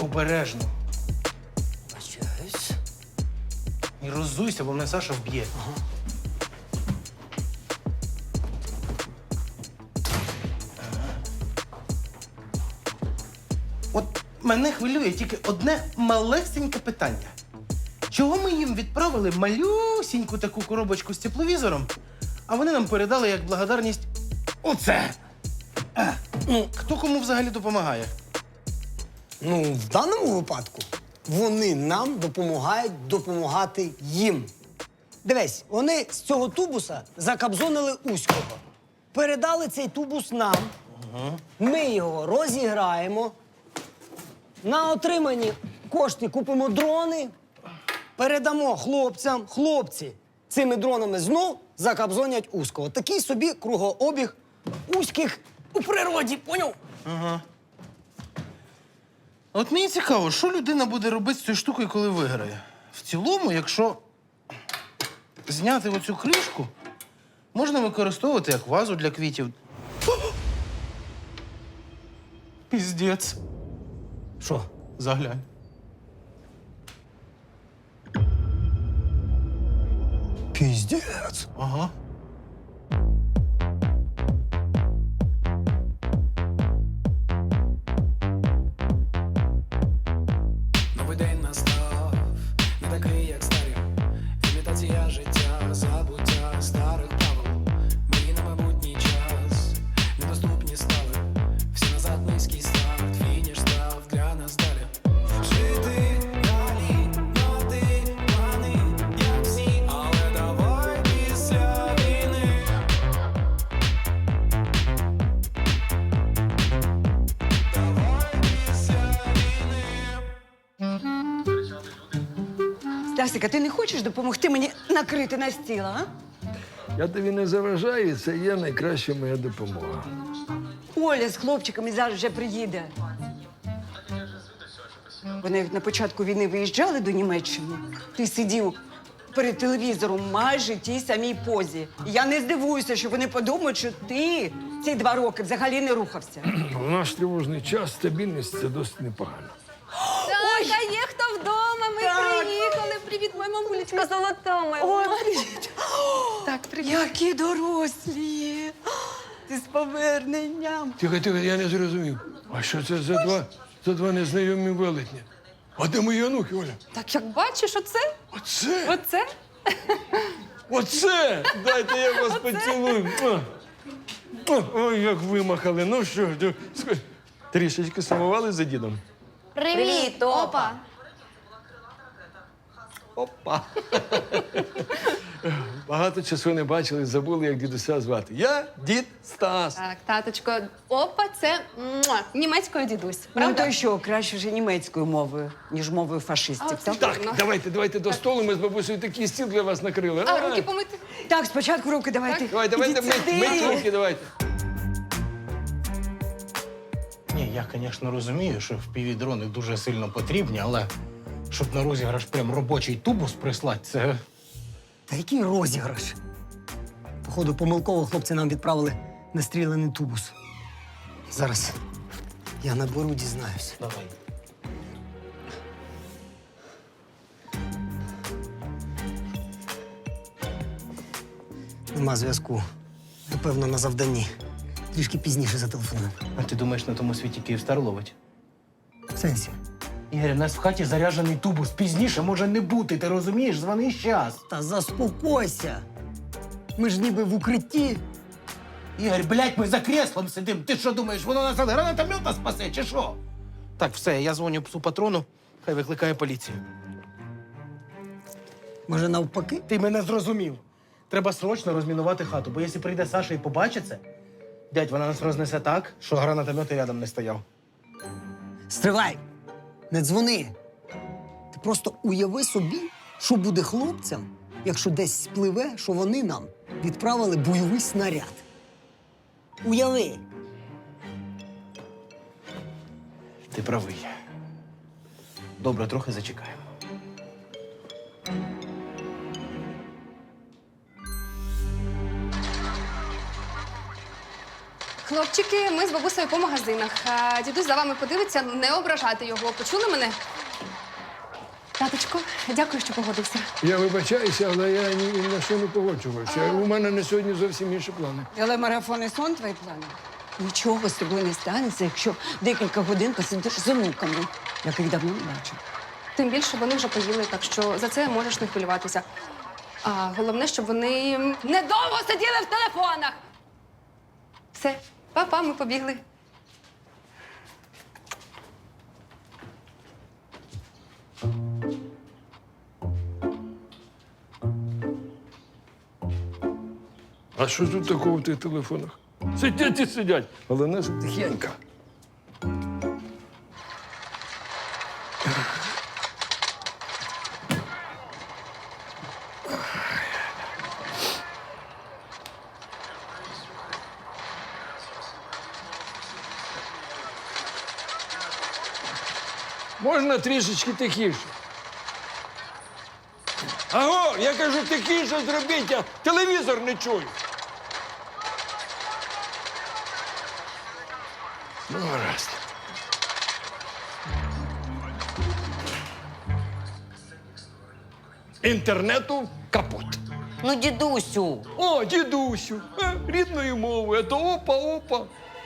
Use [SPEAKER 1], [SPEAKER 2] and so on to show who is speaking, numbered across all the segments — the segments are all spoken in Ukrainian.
[SPEAKER 1] обережно.
[SPEAKER 2] Бачаюсь.
[SPEAKER 1] І роззуйся, бо мене Саша вб'є. От мене хвилює тільки одне малесеньке питання. Чого ми їм відправили малюсіньку таку коробочку з тепловізором, а вони нам передали як благодарність оце? Ну, хто кому взагалі допомагає?
[SPEAKER 2] Ну, в даному випадку вони нам допомагають допомагати їм. Дивись, вони з цього тубуса закабзонили Уського. Передали цей тубус нам. Ми його розіграємо. На отримані кошти купимо дрони, передамо хлопцям. Хлопці цими дронами знов закабзонять Уського. Такий собі кругообіг Уських у природі, поняв?
[SPEAKER 1] От мені цікаво, що людина буде робити з цією штукою, коли виграє. В цілому, якщо зняти оцю кришку, можна використовувати як вазу для квітів. Піздець.
[SPEAKER 2] Що?
[SPEAKER 1] Заглянь.
[SPEAKER 2] Піздець.
[SPEAKER 1] Ага.
[SPEAKER 3] Новий день настав, не такий, як старі. Імітація життя, забуття старих правил. Мрії на майбутній час, недоступні стали. Всі назад низький старт, фініш став для нас далі. Жити далі, мати плани, як всі, але давай після війни. Давай після війни.
[SPEAKER 4] Стасик, а ти не хочеш допомогти мені накрити на стіл, а?
[SPEAKER 5] Я тобі не заважаю, це є найкраща моя допомога.
[SPEAKER 4] Оля з хлопчиками зараз вже приїде. Вони на початку війни виїжджали до Німеччини. Ти сидів перед телевізором майже в тій самій позі. І я не здивуюся, що вони подумають, що ти ці 2 роки взагалі не рухався.
[SPEAKER 5] В наш тривожний час стабільність – це досить непогано.
[SPEAKER 6] Так, а є хто вдома? Ми приїхали. Привіт, моя мамулечка золота моя.
[SPEAKER 4] Ой, привіт!
[SPEAKER 6] Так, привіт.
[SPEAKER 4] Які дорослі! Ти з поверненням!
[SPEAKER 5] Тихо, я не зрозумів. А що це за два незнайомі велетні? А де мої онуки, Оля?
[SPEAKER 6] Так, як бачиш, оце?
[SPEAKER 5] Оце?
[SPEAKER 6] Оце?
[SPEAKER 5] Оце! Дайте я вас поцілую. Ой, як вимахали. Ну що ж, трішечки сумували за дідом?
[SPEAKER 6] Привіт, опа.
[SPEAKER 5] Опа. Багато часу не бачили, забули, як дідуся звати. Я дід Стас.
[SPEAKER 6] Так, таточко, опа, це німецькою дідусь.
[SPEAKER 4] Ну
[SPEAKER 6] Правда?
[SPEAKER 4] то що, краще вже німецькою мовою, ніж мовою фашистів, так?
[SPEAKER 5] Так, давайте до столу. Ми з бабусею такий стіл для вас накрили.
[SPEAKER 6] А руки помити?
[SPEAKER 4] Так, спочатку руки давайте.
[SPEAKER 5] Давайте
[SPEAKER 4] Ідіть сюди.
[SPEAKER 5] мить руки, давайте.
[SPEAKER 1] Ні, я, звісно, розумію, що впівдрони дуже сильно потрібні, але щоб на розіграш прям робочий тубус прислати, це...
[SPEAKER 2] Та який розіграш? Походу, помилково хлопці нам відправили настріляний тубус. Зараз я наберу, дізнаюсь.
[SPEAKER 1] Давай.
[SPEAKER 2] Нема зв'язку. Напевно, на завданні. Трішки пізніше зателефоную.
[SPEAKER 1] А ти думаєш, на тому світі Київстар ловить?
[SPEAKER 2] В сенсі?
[SPEAKER 1] Ігор, у нас в хаті заряджений тубус. Пізніше може не бути, ти розумієш? Звони щас.
[SPEAKER 2] Та заспокойся. Ми ж ніби в укритті.
[SPEAKER 1] Ігор, блядь, ми за креслом сидим. Ти що думаєш, воно нас від гранатомета спасе, чи що? Так, все, я дзвоню псу патрону, хай викликає поліцію.
[SPEAKER 2] Може, навпаки?
[SPEAKER 1] Ти мене зрозумів. Треба срочно розмінувати хату, бо якщо прийде Саша і побачить це, дядь, вона нас рознесе так, що гранатомет і рядом не стояв.
[SPEAKER 2] Стривай! Не дзвони. Ти просто уяви собі, що буде хлопцям, якщо десь спливе, що вони нам відправили бойовий снаряд. Уяви!
[SPEAKER 1] Ти правий. Добре, трохи зачекаємо.
[SPEAKER 6] Хлопчики, ми з бабусею по магазинах. Дідусь за вами подивиться, не ображати його. Почули мене? Таточко, дякую, що погодився.
[SPEAKER 5] Я вибачаюся, але я ні на що не погоджувався. У мене на сьогодні зовсім інші плани.
[SPEAKER 4] Телемарафон і сон твої плани? Нічого з тобою не станеться, якщо декілька годин посидиш з онуками, яких давно не бачив.
[SPEAKER 6] Тим більше вони вже поїли, так що за це можеш не хвилюватися. А головне, щоб вони недовго сиділи в телефонах. Все, па-па, ми побігли.
[SPEAKER 5] А що тут такого в тих телефонах? Сидять і сидять. Головне, щоб тихенько. Можна трішечки тихіше? Аго, я кажу, тихіше зробіть, я телевізор не чую. Ну, гаразд. Інтернету капут.
[SPEAKER 7] Ну, дідусю,
[SPEAKER 5] О, дідусю, рідною мовою, а то опа-опа.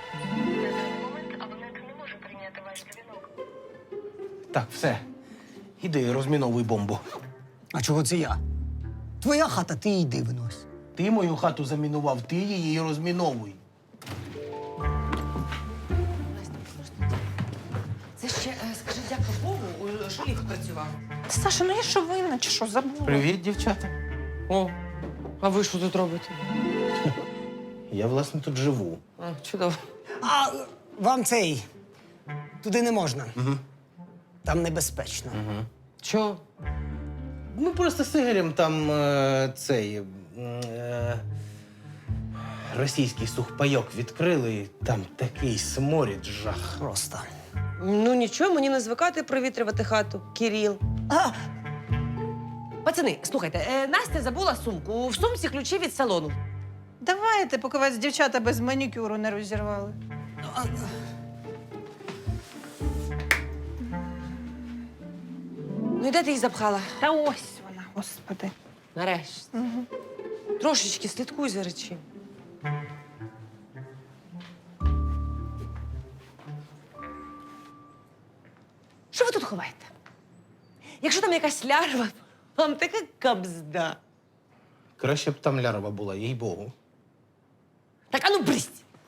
[SPEAKER 1] Так, все. Іди, розміновуй бомбу.
[SPEAKER 2] А чого це я? Твоя хата, ти йди винось.
[SPEAKER 1] Ти мою хату замінував, ти її розміновуй.
[SPEAKER 7] це ще скажи дякую Богу, що ліфт працював.
[SPEAKER 8] Саша, ну я що винна, чи що забула?
[SPEAKER 1] Привіт, дівчата.
[SPEAKER 7] О, а ви що тут робите?
[SPEAKER 1] Я, власне, тут живу.
[SPEAKER 7] Чудово.
[SPEAKER 2] А вам цей туди не можна. Там небезпечно.
[SPEAKER 7] Чого?
[SPEAKER 1] Ми просто з Ігорем там цей російський сухпайок відкрили, і там такий сморід, жах.
[SPEAKER 2] Просто.
[SPEAKER 9] Ну нічого, мені не звикати провітрювати хату, Кіріл.
[SPEAKER 2] А,
[SPEAKER 9] Пацани, слухайте, Настя забула сумку. В сумці ключі від салону.
[SPEAKER 8] Давайте, поки вас дівчата без манікюру не розірвали.
[SPEAKER 9] Ну і де ти її запхала?
[SPEAKER 8] Та ось вона, господи.
[SPEAKER 9] Нарешті. Трошечки слідкуй за речі. Що ви тут ховаєте? Якщо там якась лярва, вам така кабзда.
[SPEAKER 1] Краще б там лярва була, їй-богу.
[SPEAKER 9] Так, а ну брись!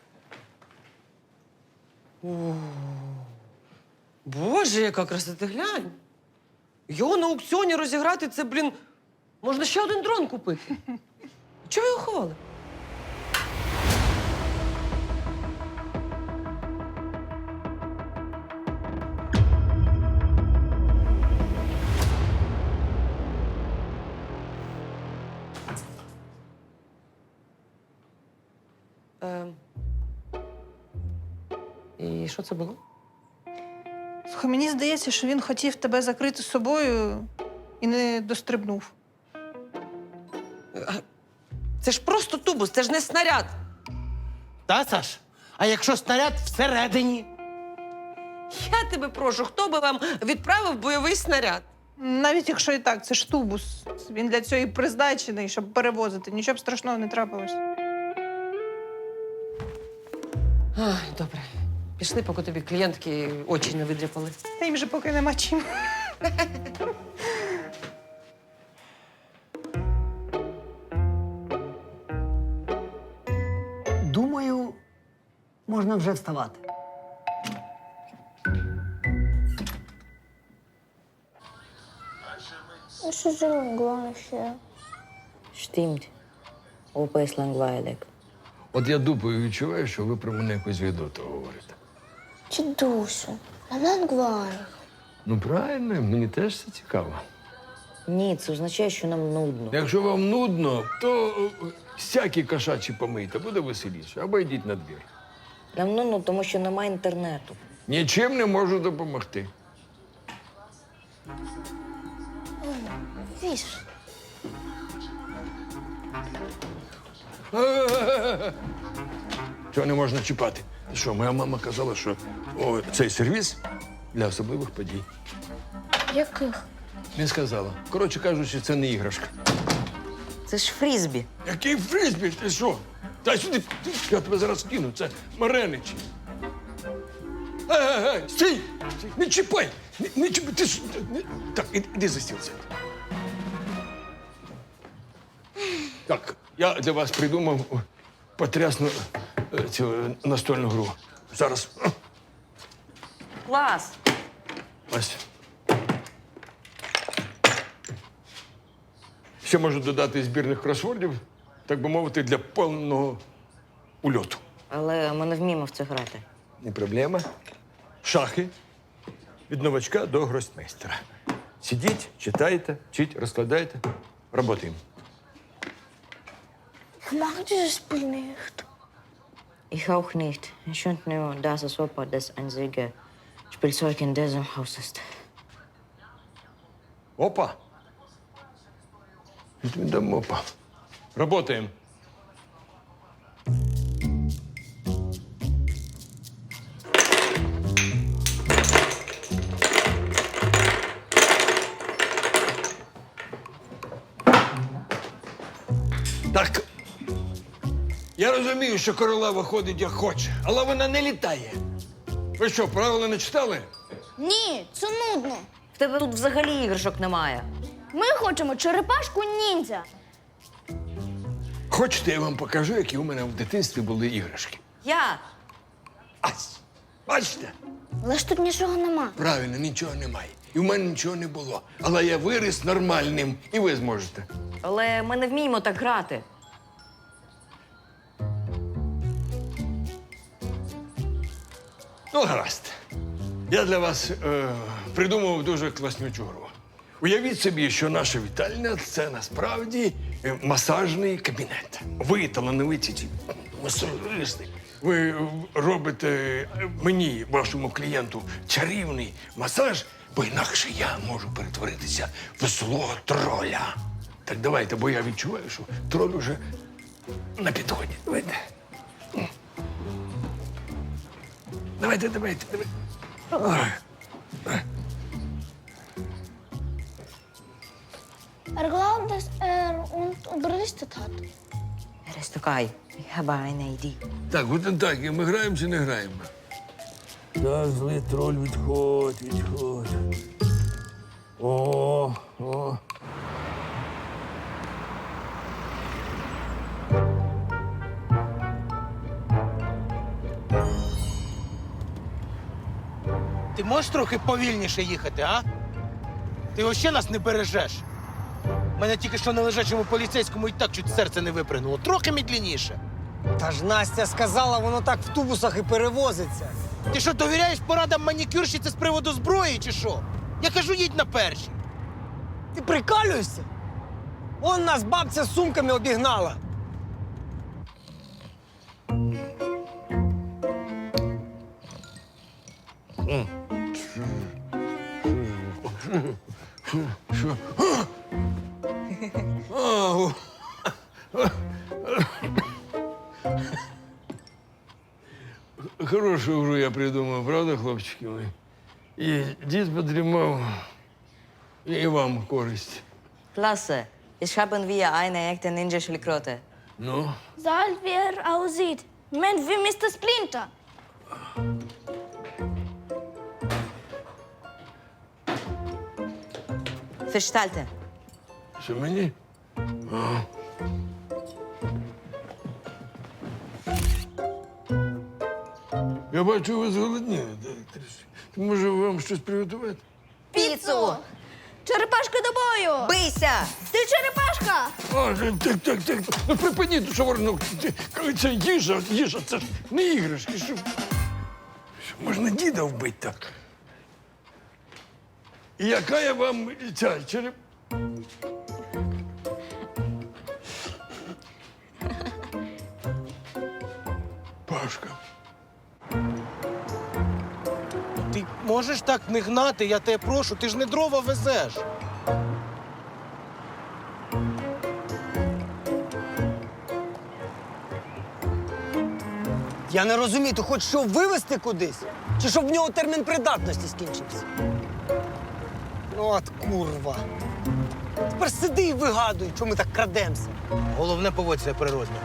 [SPEAKER 9] Боже, яка краса, ти глянь. Його на аукціоні розіграти, це, блін, можна ще один дрон купити. Чого ви його ховали? І що це було?
[SPEAKER 8] Слухай, мені здається, що він хотів тебе закрити собою і не дострибнув.
[SPEAKER 9] Це ж просто тубус, це ж не снаряд.
[SPEAKER 1] Та, Саш? А якщо снаряд всередині?
[SPEAKER 9] Я тебе прошу, хто би вам відправив бойовий снаряд?
[SPEAKER 8] Навіть якщо і так, це ж тубус. Він для цього і призначений, щоб перевозити. Нічого б страшного не трапилось.
[SPEAKER 9] Ай, добре. Пішли, поки тобі клієнтки очі не видряпали.
[SPEAKER 8] Та їм же поки нема чим.
[SPEAKER 2] думаю, можна вже вставати.
[SPEAKER 10] Was ist denn gleiche?
[SPEAKER 7] Stimmt. Opa ist langweilig.
[SPEAKER 5] От я дупою відчуваю, що ви про мене якось відверто говорите.
[SPEAKER 10] Дідусю, langweilig.
[SPEAKER 5] Ну, правильно, мені теж це цікаво.
[SPEAKER 7] Ні, це означає, що нам нудно.
[SPEAKER 5] Якщо вам нудно, то всякі кошачі помийте, буде веселіше. Або йдіть на двір.
[SPEAKER 7] Нам нудно, тому що немає інтернету.
[SPEAKER 5] Нічим не можу допомогти.
[SPEAKER 10] Віж.
[SPEAKER 5] Цього не можна чіпати. Ти що, моя мама казала, що цей сервіс для особливих подій.
[SPEAKER 10] Яких?
[SPEAKER 5] Не сказала. Коротше кажучи, це не іграшка.
[SPEAKER 7] Це ж фрізбі.
[SPEAKER 5] Який фризбі? Ти що? Дай сюди, я тебе зараз кину. Це Мареничі. Ей, стій! Не чіпай! Не чіпай! Ти ж... Так, іди за стіл. Сядь. Так, я для вас придумав потрясну цю настольну гру. Зараз.
[SPEAKER 7] Клас.
[SPEAKER 5] Ось. Ще можу додати збірних кросвордів, так би мовити, для повного ульоту.
[SPEAKER 7] Але ми не вміємо в це грати.
[SPEAKER 5] Не проблема. Шахи. Від новачка до гросмейстера. Сидіть, читайте, вчіть, розкладайте. Работаємо.
[SPEAKER 10] Ik mag dieses Spiel nicht.
[SPEAKER 7] Ich auch nicht. Ich finde nur, dass es Opa das einzige Spielzeug in diesem Haus ist.
[SPEAKER 5] Опа. Відмідам опа. Работаємо. Так. Я розумію, що королева ходить як хоче, але вона не літає. Ви що, правила не читали?
[SPEAKER 10] Ні, це нудно.
[SPEAKER 7] В тебе тут взагалі іграшок немає.
[SPEAKER 10] Ми хочемо черепашку ніндзя.
[SPEAKER 5] Хочете, я вам покажу, які у мене в дитинстві були іграшки.
[SPEAKER 7] Я.
[SPEAKER 5] Ась! Бачите?
[SPEAKER 10] Але ж тут нічого нема.
[SPEAKER 5] Правильно, нічого немає. І в мене нічого не було. Але я виріс нормальним, і ви зможете.
[SPEAKER 7] Але ми не вміємо так грати.
[SPEAKER 5] Ну, гаразд. Я для вас придумав дуже класнючу гру. Уявіть собі, що наша вітальня – це насправді масажний кабінет. Ви талановиті ці масажисти. Ви робите мені, вашому клієнту, чарівний масаж, бо інакше я можу перетворитися в злого троля. Так давайте, бо я відчуваю, що троль уже на підході. Давайте. Давайте. Ой.
[SPEAKER 10] Er glaubt, dass er uns überlistet hat.
[SPEAKER 7] Рестукай. Ich habe eine Idee.
[SPEAKER 5] Так, от так, і ми граємо чи не граємо? Так, злий троль, відходь. О.
[SPEAKER 1] Ти можеш трохи повільніше їхати, а? Ти взагалі нас не бережеш. Мене тільки що на лежачому поліцейському і так чуть серце не випрыгнуло. Трохи медленніше.
[SPEAKER 2] Та ж Настя сказала, воно так в тубусах і перевозиться.
[SPEAKER 1] Ти що, довіряєш порадам манікюрщиці з приводу зброї, чи що? Я кажу, їдь на перші.
[SPEAKER 2] Ти прикалюєшся? Вон нас бабця з сумками обігнала.
[SPEAKER 5] Що? Ау. Хорошу гру я придумав, правда, хлопчики мої? І дід подрімав, і вам користь.
[SPEAKER 7] Klasse. Ich haben wir eine echte Ninja-Schildkröte.
[SPEAKER 5] Ну?
[SPEAKER 10] Sag, wie er aussieht. Mensch, wie Mr. Splinter.
[SPEAKER 7] Verstalte.
[SPEAKER 5] Що мені? А. Я бачу, ви зголодніли. Може, вам щось приготувати?
[SPEAKER 7] Піцу!
[SPEAKER 10] Черепашка до бою!
[SPEAKER 7] Бийся!
[SPEAKER 10] Ти черепашка!
[SPEAKER 5] Так. Ну припиніть, що ну, це їжа, це ж не іграшки. Що можна діда вбити так? І яка я вам ця череп? Пашка.
[SPEAKER 1] Ти можеш так не гнати, я тебе прошу, ти ж не дрова везеш.
[SPEAKER 2] Я не розумію, ти хочеш що вивезти кудись? Чи щоб в нього термін придатності скінчився? Ну от курва. Тепер сиди і вигадуй, що ми так крадемося.
[SPEAKER 1] Головне поводься при розмірі.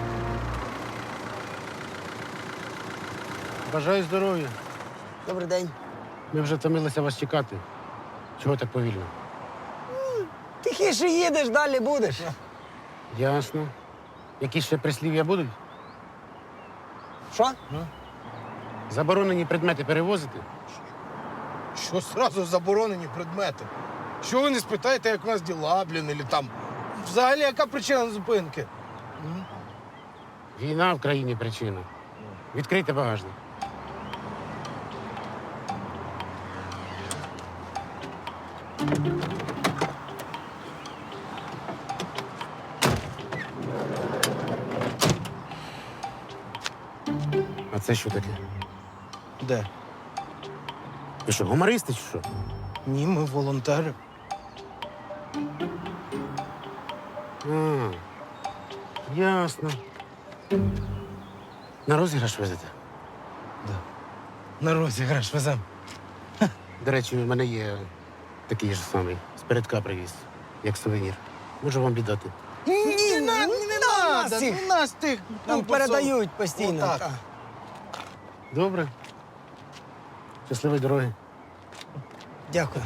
[SPEAKER 11] Бажаю здоров'я.
[SPEAKER 2] Добрий день.
[SPEAKER 11] Ми вже втомилися вас чекати. Чого так повільно?
[SPEAKER 2] Тихіше їдеш, далі будеш.
[SPEAKER 11] Ясно. Якісь ще прислів'я будуть?
[SPEAKER 2] Що?
[SPEAKER 11] Заборонені предмети перевозити?
[SPEAKER 1] Що зразу заборонені предмети? Що ви не спитаєте, як у вас діла, блін, или там? Взагалі, яка причина зупинки?
[SPEAKER 11] Війна в країні причина. Відкрийте багажник. А це що таке?
[SPEAKER 1] Де?
[SPEAKER 11] Ви що, гумористи чи що?
[SPEAKER 1] Ні, ми волонтери.
[SPEAKER 11] А, ясно. На розіграш везете?
[SPEAKER 1] На розіграш везем.
[SPEAKER 11] До речі, у мене є такий ж самий. З-передка привіз, як сувенір. Можу вам віддати.
[SPEAKER 2] Ні,
[SPEAKER 1] Не надо, у нас тих.
[SPEAKER 2] Нам
[SPEAKER 1] ну,
[SPEAKER 2] передають постійно.
[SPEAKER 1] Отак.
[SPEAKER 2] Так.
[SPEAKER 11] Добре. Щасливої дороги.
[SPEAKER 2] Дякую.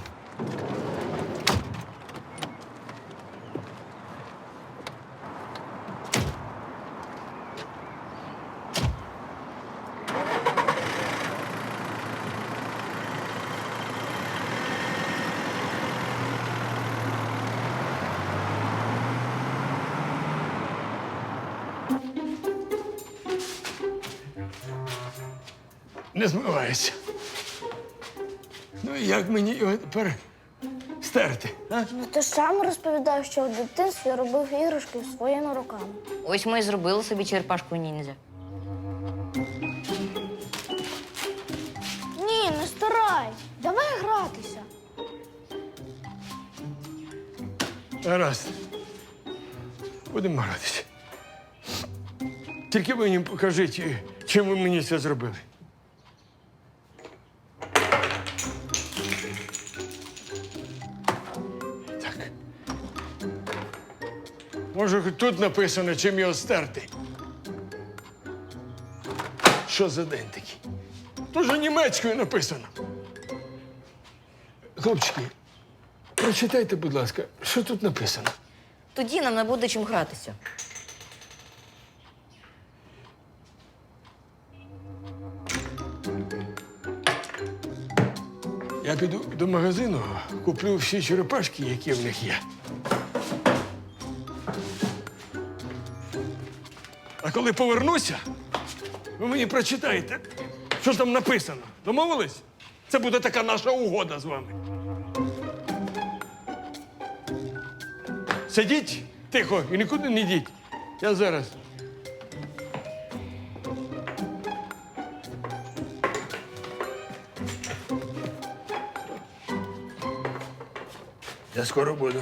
[SPEAKER 5] Не змивається. Ну і як мені його тепер стерти?
[SPEAKER 10] Ну, ти ж сам розповідав, що в дитинстві робив іграшки своїми руками.
[SPEAKER 7] Ось ми і зробили собі черепашку ніндзя.
[SPEAKER 10] Ні, не старай. Давай гратися.
[SPEAKER 5] Гаразд. Будемо гратися. Тільки ви мені покажіть, чим ви мені це зробили. Так. Може, хоч тут написано, чим його стерти. Що за день такий? Тоже німецькою написано. Хлопчики, прочитайте, будь ласка, що тут написано.
[SPEAKER 7] Тоді нам не буде чим гратися.
[SPEAKER 5] Я піду до магазину, куплю всі черепашки, які в них є. А коли повернуся, ви мені прочитаєте, що ж там написано. Домовились? Це буде така наша угода з вами. Сидіть тихо і нікуди не йдіть. Я зараз. Я скоро буду.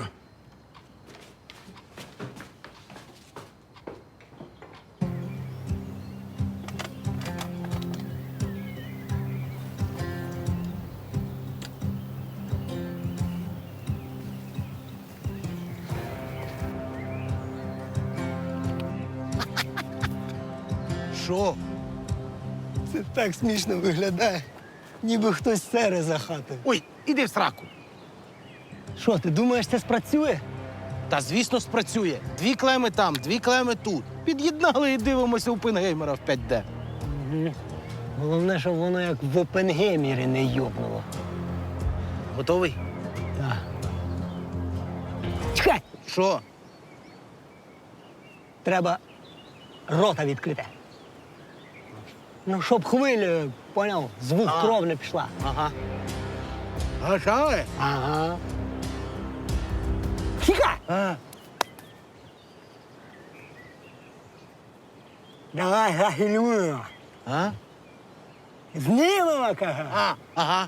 [SPEAKER 1] Що?
[SPEAKER 2] Це так смішно виглядає, ніби хтось сере за хатою.
[SPEAKER 1] Ой, іди в сраку.
[SPEAKER 2] Що, ти думаєш, це спрацює?
[SPEAKER 1] Та звісно спрацює. 2 клеми там, 2 клеми тут. Під'єднали і дивимося у Пінгеймера в 5D.
[SPEAKER 2] Головне, щоб воно як в Опенгеймері не йобнуло.
[SPEAKER 1] Готовий?
[SPEAKER 2] Так. Чекай!
[SPEAKER 1] Що?
[SPEAKER 2] Треба рота відкрити. Ну, щоб хвилю, поняв, звук кров не пішла.
[SPEAKER 1] Ага. Гашали?
[SPEAKER 2] Ага. Чекай! Давай зафільмуємо.
[SPEAKER 1] А?
[SPEAKER 2] Знімемо, кажу.
[SPEAKER 1] Ага.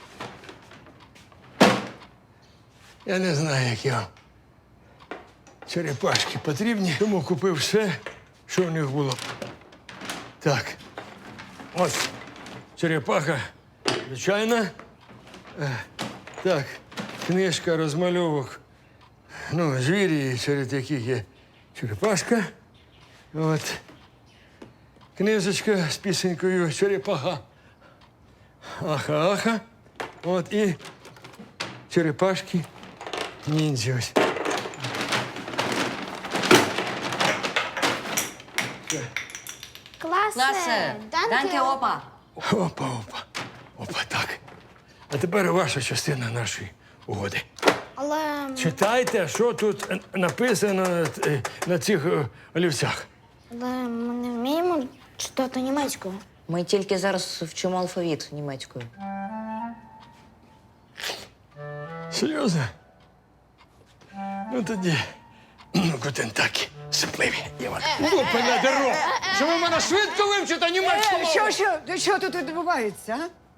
[SPEAKER 5] Я не знаю, як його черепашки потрібні, тому купив все, що в них було. Так. Ось черепаха, звичайна. Так, книжка розмальовок. Ну, звірі, серед яких є черепашка. От. Книжечка з пісенькою черепаха. Аха-аха. От і черепашки ніндзя. Ось.
[SPEAKER 10] Класе!
[SPEAKER 7] Данке, опа.
[SPEAKER 5] Опа. Опа, так. А тепер ваша частина нашої угоди.
[SPEAKER 10] Але
[SPEAKER 5] Читайте, що тут написано на цих олівцях.
[SPEAKER 10] ми не вміємо читати німецькою.
[SPEAKER 7] Ми тільки зараз вчимо алфавіт німецькою.
[SPEAKER 5] Серйозно? Ну тоді. Гутен такі. Сипливі. Лупи на дорогу! Що ви мене швидко вивчите німецьку мову?
[SPEAKER 4] Що тут відбувається?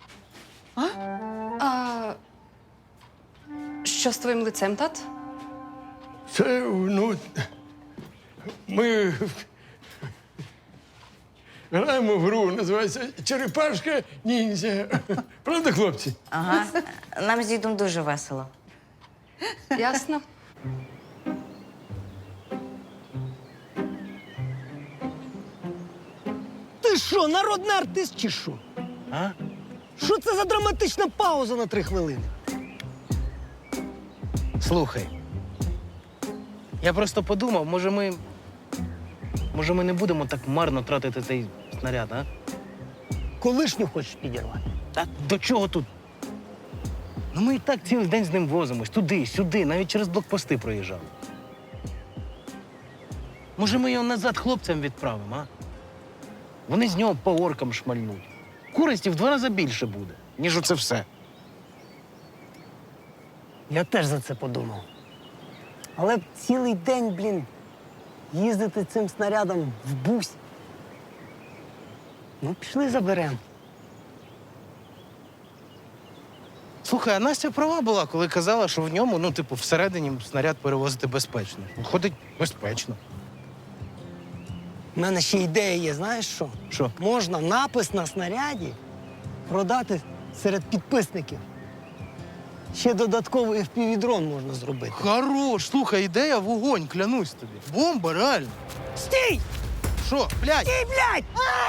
[SPEAKER 6] Що з твоїм лицем, тат?
[SPEAKER 5] Це, ну. Ми граємо в гру, називається Черепашка ніндзя. Правда, хлопці?
[SPEAKER 7] Ага. Нам з дідом дуже весело.
[SPEAKER 6] Ясно.
[SPEAKER 2] Ти що, народний артист чи що?
[SPEAKER 1] А?
[SPEAKER 2] Що це за драматична пауза на 3 хвилини?
[SPEAKER 1] Слухай. Я просто подумав, може ми не будемо так марно тратити цей снаряд, а?
[SPEAKER 2] Колишню хочеш підірвати?
[SPEAKER 1] Так до чого тут? Ну ми і так цілий день з ним возимось. Туди, сюди, навіть через блокпости проїжджали. Може, ми його назад хлопцям відправимо, а? Вони з нього по оркам шмальнуть. Користі в 2 рази більше буде, ніж оце все.
[SPEAKER 2] Я теж за це подумав. Але цілий день, їздити цим снарядом в бусі. Ну, пішли заберемо.
[SPEAKER 1] Слухай, а Настя права була, коли казала, що в ньому, всередині снаряд перевозити безпечно. Ходить безпечно.
[SPEAKER 2] У мене ще ідея є, знаєш що?
[SPEAKER 1] Що?
[SPEAKER 2] Можна напис на снаряді продати серед підписників. Ще додатковий FPV-дрон можна зробити.
[SPEAKER 1] Хорош, слухай, ідея вогонь, клянусь тобі. Бомба, реально.
[SPEAKER 2] Стій!
[SPEAKER 1] Що, блядь?
[SPEAKER 2] Стій, блядь!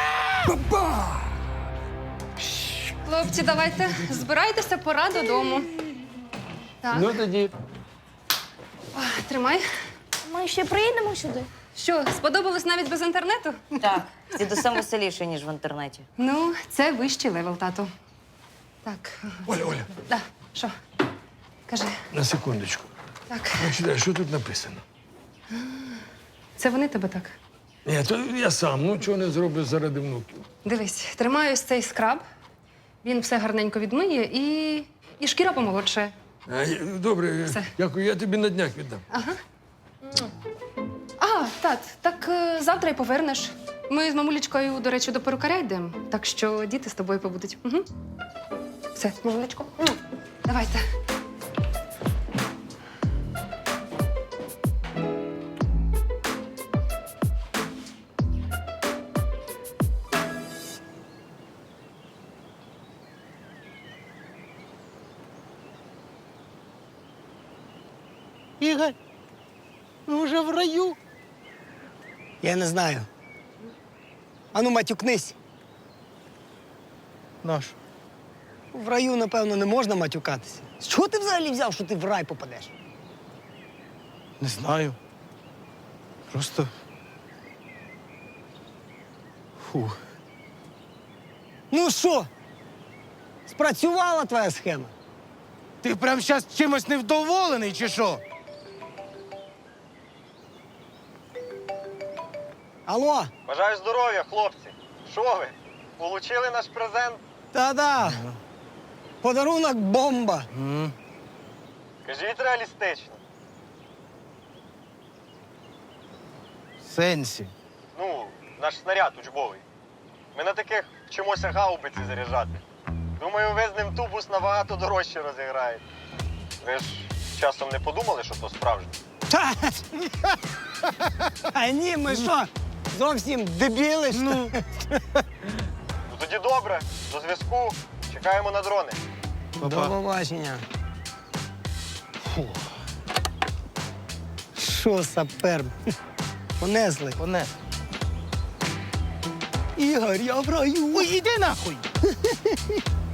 [SPEAKER 6] Хлопці, давайте, збирайтеся, пора додому. Так,
[SPEAKER 5] Ну тоді.
[SPEAKER 6] тримай.
[SPEAKER 10] Ми ще приїдемо сюди.
[SPEAKER 6] Що, сподобалось навіть без інтернету?
[SPEAKER 7] Так, з дідусем веселіше, ніж в інтернеті.
[SPEAKER 6] Ну, це вищий левел, тату. Так,
[SPEAKER 5] Оля,
[SPEAKER 6] да, що? Кажи.
[SPEAKER 5] на секундочку.
[SPEAKER 6] Так,
[SPEAKER 5] Читай, що тут написано?
[SPEAKER 6] це вони тебе так?
[SPEAKER 5] Ні, то я сам, ну чого не зроблю заради внуків.
[SPEAKER 6] Дивись, тримаю ось цей скраб. Він все гарненько відмиє і шкіра помолодшає.
[SPEAKER 5] Добре,
[SPEAKER 6] Все.
[SPEAKER 5] дякую, я тобі на днях віддам.
[SPEAKER 6] А, так завтра й повернеш. Ми з мамулечкою, до речі, до перукаря йдемо, так що діти з тобою побудуть. Угу. Все, мамулечко, давайте.
[SPEAKER 2] Ігор, ми вже в раю. Я не знаю. Ану, матюкнись.
[SPEAKER 1] Наш.
[SPEAKER 2] В раю, напевно, не можна матюкатися. З чого ти взагалі взяв, що ти в рай попадеш?
[SPEAKER 1] Не знаю. Просто. Фу.
[SPEAKER 2] Ну що? Спрацювала твоя схема?
[SPEAKER 1] Ти прям зараз чимось невдоволений, чи що?
[SPEAKER 2] Алло?
[SPEAKER 12] Бажаю здоров'я, хлопці. Що ви? Получили наш презент?
[SPEAKER 2] Та-да. Подарунок бомба.
[SPEAKER 12] Кажіть реалістично.
[SPEAKER 1] В сенсі.
[SPEAKER 12] Ну, наш снаряд учбовий. Ми на таких вчимося гаубиці заряджати. Думаю, ви з ним тубус набагато дорожче розіграєте. Ви ж часом не подумали, що то справжнє?
[SPEAKER 2] А ні, ми що, зовсім дебіли?
[SPEAKER 12] Ну тоді добре, до зв'язку. Чекаємо на дрони.
[SPEAKER 2] До побачення. Фу. Що, сапер? Понесли.
[SPEAKER 1] Понес.
[SPEAKER 2] Ігор, я в раю.
[SPEAKER 1] Ой, іди нахуй!